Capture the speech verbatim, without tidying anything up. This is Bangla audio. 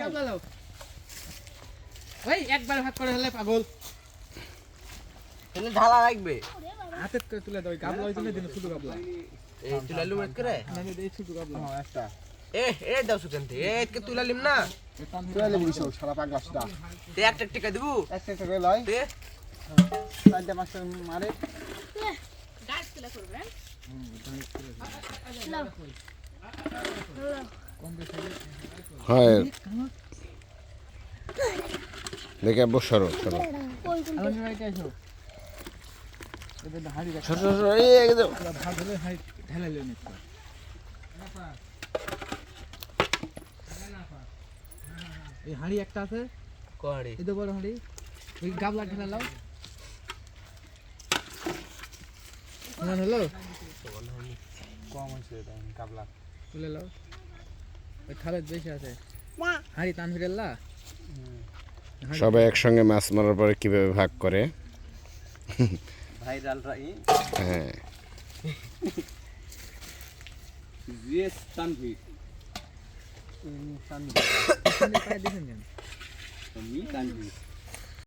গাবলা লাও ওই একবার ভাগ করে হলে পাগল তাহলে ঢালা লাগবে হাতে তুলে দাও গাবলা হইছে না দিন ছোট গাবলা এই তুলা লুম করে না না এই ছোট গাবলা হ্যাঁ একটা এ এ দাও সুকেন তে এ কে তুলা লিম না তুই লেবু দিছো সারা পাগলাসটা তে একটা টিকা দিব একটা একটা করে লয় তে চারটা পাঁচটা মারে গাছ তুলে করবেন হয় দেখে বসরো সরো আলম ভাই কাইছো এদের হাড়ি রাখ সরো সরো এই একদম ভাগ হলে হাড়ি ঢেলে লই নিতে এই হাড়ি একটা আছে কোয়াড়ি এই তো বড় হাড়ি এই গাবলা ঢেলে লাও না হলো কম হইছে এটা কাবলা তুলে লাও ওই খালেদ বেশি আছে হাড়ি টান ফিরেলা সবাই একসঙ্গে মাছ মারার পরে কিভাবে ভাগ করে ভাইরাল রাই হ্যাঁ জিএস তানভীর পায়ে দিছেন কেন আমি তানভীর